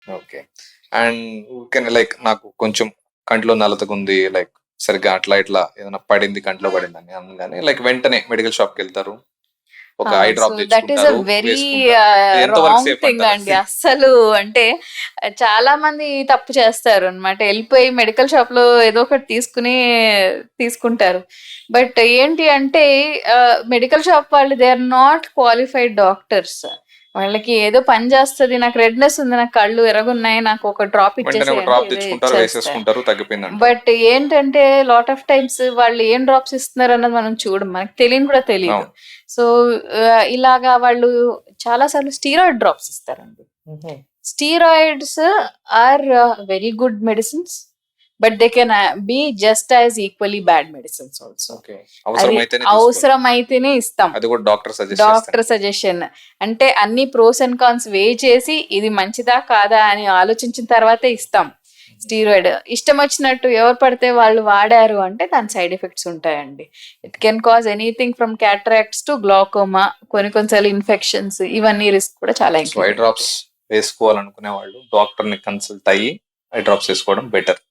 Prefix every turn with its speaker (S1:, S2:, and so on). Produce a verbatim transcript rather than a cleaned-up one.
S1: Okay. And ఊరికేనే like నాకు కొంచెం కంట్లో నలతగుంది. లైక్ సరిగ్గా అట్లా ఇట్లా ఏదైనా పడింది కంట్లో పడిందని అనగానే లైక్ వెంటనే మెడికల్ షాప్‌కెళ్తారు. ఒక eye
S2: so
S1: drop
S2: that is a
S1: తెచ్చుకుంటారు.
S2: వెరీ
S1: వేసుకుంటారు. ఇది ఎంతవరకు
S2: రాంగ్
S1: సేఫ్
S2: థింగ్
S1: అంటారు
S2: అండి.
S1: అది?
S2: అస్సలు అంటే చాలా మంది తప్పు చేస్తారు అనమాట. వెళ్ళిపోయి మెడికల్ షాప్ లో ఏదో ఒకటి తీసుకుని తీసుకుంటారు. బట్ ఏంటి అంటే మెడికల్ షాప్ వాళ్ళు they are not qualified doctors. వాళ్ళకి ఏదో పని చేస్తుంది, నాకు రెడ్నెస్ ఉంది, నాకు కళ్ళు ఎరగున్నాయి, నాకు ఒక డ్రాప్
S1: వెంటనే ఒక
S2: ఇచ్చేసేయంటే
S1: డ్రాప్
S2: ఇదే
S1: తెచ్చుకుంటారు,
S2: ఇచ్చేస్తారు.
S1: వేసేసుకుంటారు, తగ్గిపోయిందంటారు.
S2: బట్ ఏంటంటే లాట్ ఆఫ్ టైమ్స్ వాళ్ళు ఏం డ్రాప్స్ ఇస్తున్నారు అన్నది మనం చూడం, మనకు తెలియని కూడా తెలియదు.
S1: అవును.
S2: సో ఇలాగా వాళ్ళు చాలా సార్లు స్టీరాయిడ్ డ్రాప్స్ ఇస్తారండి. Steroids are very good medicines, but they can be just as equally bad medicines also.
S1: Okay.
S2: అది
S1: అవసరమైతేనే తీసుకోవాలి.
S2: అవసరమైతేనే ఇస్తాం.
S1: అది కూడా డాక్టర్ సజెస్ట్
S2: డాక్టర్
S1: చేస్తాను.
S2: సజెషన్ అంటే అన్ని ప్రోస్ అండ్ కాన్స్ వే చేసి ఇది మంచిదా కాదా అని ఆలోచించిన తర్వాతే ఇస్తాం. స్టీరాయిడ్ ఇష్టం వచ్చినట్టు ఎవరు పడితే వాళ్ళు వాడారు అంటే దాని సైడ్ ఎఫెక్ట్స్ ఉంటాయండి. It can cause anything from cataracts to glaucoma, కొన్ని కొన్నిసార్లు ఇన్ఫెక్షన్స్, ఇవన్నీ రిస్క్ కూడా చాలా
S1: సో ఐ
S2: ఎక్కువ.
S1: డ్రాప్స్ వేసుకోవాలనుకునే వాళ్ళు డాక్టర్ ని కన్సల్ట్ అయ్యి ఐ డ్రాప్స్ వేసుకోవడం బెటర్.